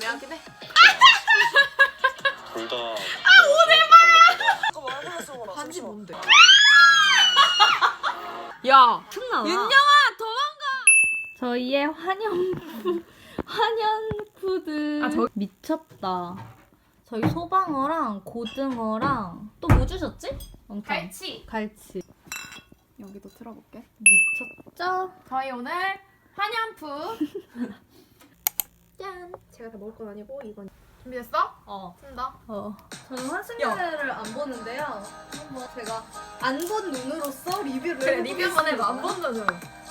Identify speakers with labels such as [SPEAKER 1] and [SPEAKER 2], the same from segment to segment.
[SPEAKER 1] 애매하긴 해.
[SPEAKER 2] 둘 다.
[SPEAKER 3] 오늘만.
[SPEAKER 1] 반지 뭔데? 야,
[SPEAKER 4] 틈나와.
[SPEAKER 1] 윤영아 도망가.
[SPEAKER 4] 저희의 환연푸드. 미쳤다. 저희 소방어랑 고등어랑 또 뭐 주셨지? 엄청. 갈치.
[SPEAKER 1] 여기도 틀어볼게.
[SPEAKER 4] 미쳤죠?
[SPEAKER 1] 저희 오늘 한연푸. 짠. 제가 다 먹을 건 아니고 이건. 준비됐어?
[SPEAKER 4] 어.
[SPEAKER 1] 쓴다.
[SPEAKER 4] 저는 환승연애를 안 보는데요. 한번 제가 안 본 눈으로서 리뷰를
[SPEAKER 1] 그래 리뷰 한번 해봐. 안 본 눈으로.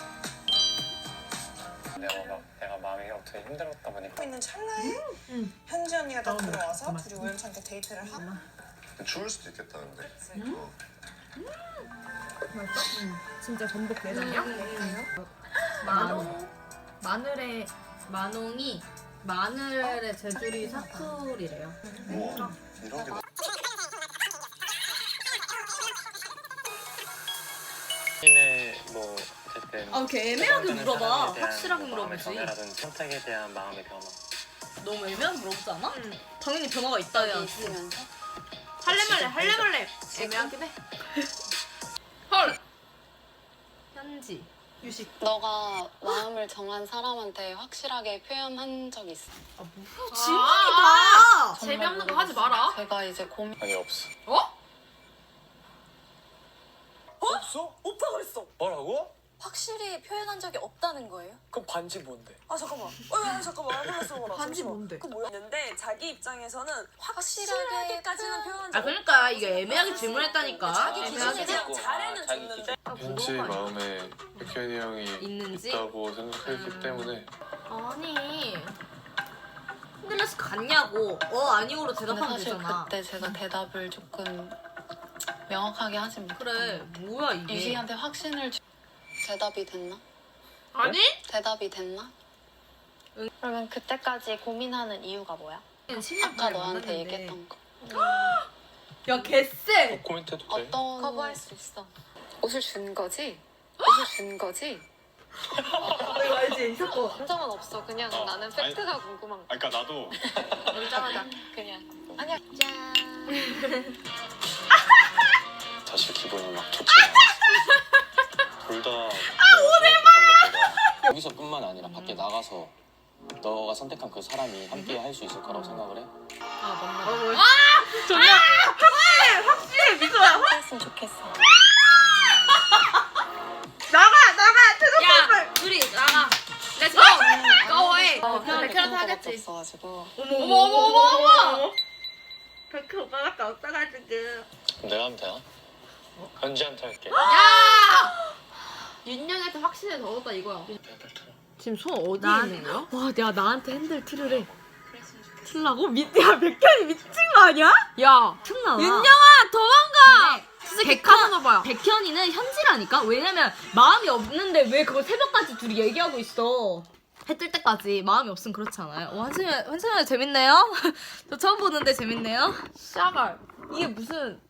[SPEAKER 2] 내가 마음이 어떻게 힘들었다 보니까
[SPEAKER 3] 있는 찰나에 현지 언니가 딱 들어와서 둘이 우연찮게 데이트를 하고
[SPEAKER 5] 추울 수도 있겠다는데.
[SPEAKER 1] 맛있어? 진짜 전복 내장이야? 마늘에
[SPEAKER 4] 만홍이 마늘의 제주리 사투리래요.
[SPEAKER 5] 우와, 이런 게
[SPEAKER 2] 본인의 뭐 어쨌든
[SPEAKER 4] 이렇게 애매하게 물어봐.
[SPEAKER 2] 사람에 대한
[SPEAKER 4] 확실하게
[SPEAKER 2] 뭐 마음의
[SPEAKER 4] 물어보지.
[SPEAKER 2] 변화라든지 선택에 대한 마음의 변화.
[SPEAKER 4] 너무 애매하게 물어보지 않아?
[SPEAKER 1] 응.
[SPEAKER 4] 당연히 변화가 있다 해야지.
[SPEAKER 1] 할래 말래. 애매하긴 해. 헐.
[SPEAKER 4] 현지.
[SPEAKER 1] 유식.
[SPEAKER 6] 너가 마음을 정한 사람한테 확실하게 표현한 적 있어?
[SPEAKER 1] 질문이다. 재미없는 거 하지 마라.
[SPEAKER 6] 제가 이제 고민.
[SPEAKER 2] 아니 없어.
[SPEAKER 3] 없어? 오빠 그랬어.
[SPEAKER 7] 뭐라고?
[SPEAKER 8] 확실히 표현한 적이 없다는 거예요?
[SPEAKER 7] 그럼 반지 뭔데?
[SPEAKER 3] 아 잠깐만. 잠깐만. 몰랐어.
[SPEAKER 1] 반지 뭔데?
[SPEAKER 3] 그 뭐야? 있는데 자기 입장에서는
[SPEAKER 8] 확실하게까지는
[SPEAKER 3] 확실하게까지는 표현.
[SPEAKER 4] 아 그러니까 이게 애매하게 질문했다니까.
[SPEAKER 3] 자기
[SPEAKER 1] 애매하게
[SPEAKER 3] 기준에
[SPEAKER 7] 하고.
[SPEAKER 3] 잘해는
[SPEAKER 7] 자기
[SPEAKER 3] 줬는데.
[SPEAKER 5] 현지 마음에 백현이 형이
[SPEAKER 4] 있는지?
[SPEAKER 5] 있다고 생각했기 때문에
[SPEAKER 4] 아니. 흔들려서 갔냐고. 아니오로
[SPEAKER 6] 근데
[SPEAKER 4] 대답하면
[SPEAKER 6] 사실
[SPEAKER 4] 되잖아.
[SPEAKER 6] 그때 제가 대답을 조금 명확하게 하지 못했던
[SPEAKER 4] 그래.
[SPEAKER 6] 것
[SPEAKER 4] 뭐야
[SPEAKER 6] 같아요.
[SPEAKER 4] 이게.
[SPEAKER 6] 유식이한테 확신을 대답이 됐나?
[SPEAKER 1] 아니?
[SPEAKER 6] 대답이 됐나?
[SPEAKER 8] 그러면 그때까지 고민하는 이유가 뭐야?
[SPEAKER 6] 아까 너한테 얘기했던 거.
[SPEAKER 4] 야 개쎄.
[SPEAKER 2] 코멘트 해도 돼?
[SPEAKER 6] 어떤
[SPEAKER 8] 거부할 수 있어.
[SPEAKER 6] 옷을 준 거지? 옷을 준 거지?
[SPEAKER 4] 이거 알지? 이 사건.
[SPEAKER 8] 감정은 없어. 그냥 나는 팩트가 궁금한 거.
[SPEAKER 5] 그러니까 나도
[SPEAKER 8] 놀자마자 그냥. 아니야.
[SPEAKER 2] 사실 기분이 막 좋지 않아. 둘 다. 여기서뿐만 아니라 밖에 나가서 너가 선택한 그 사람이 함께 할 수 있을 거라고 생각을 해.
[SPEAKER 6] 했으면 좋겠어.
[SPEAKER 1] 야, 둘이 나가. 렛츠 고. 고해. 백현한테 하겠지.
[SPEAKER 6] 없어가지고.
[SPEAKER 1] 어머.
[SPEAKER 4] 백현 오빠밖에 없어가지고.
[SPEAKER 2] 내가 하면 되나? 현지한테 할게.
[SPEAKER 1] 야! 윤영이한테 확신을 넣었다 이거야. 지금 손 어디에 있는 거야?
[SPEAKER 4] 와, 내가 나한테 핸들 틀으래. 틀라고? 야, 백현이 미친 거 아니야?
[SPEAKER 1] 야,
[SPEAKER 4] 틈나와.
[SPEAKER 1] 윤영아 도망가.
[SPEAKER 4] 진짜
[SPEAKER 1] 백화점 봐요.
[SPEAKER 4] 백현이는 현지라니까? 왜냐면 마음이 없는데 왜 그걸 새벽까지 둘이 얘기하고 있어. 해 뜰 때까지 마음이 없으면 그렇지 않아요? 환승연 재밌네요? 저 처음 보는데 재밌네요?
[SPEAKER 1] 샤갈. 이게 무슨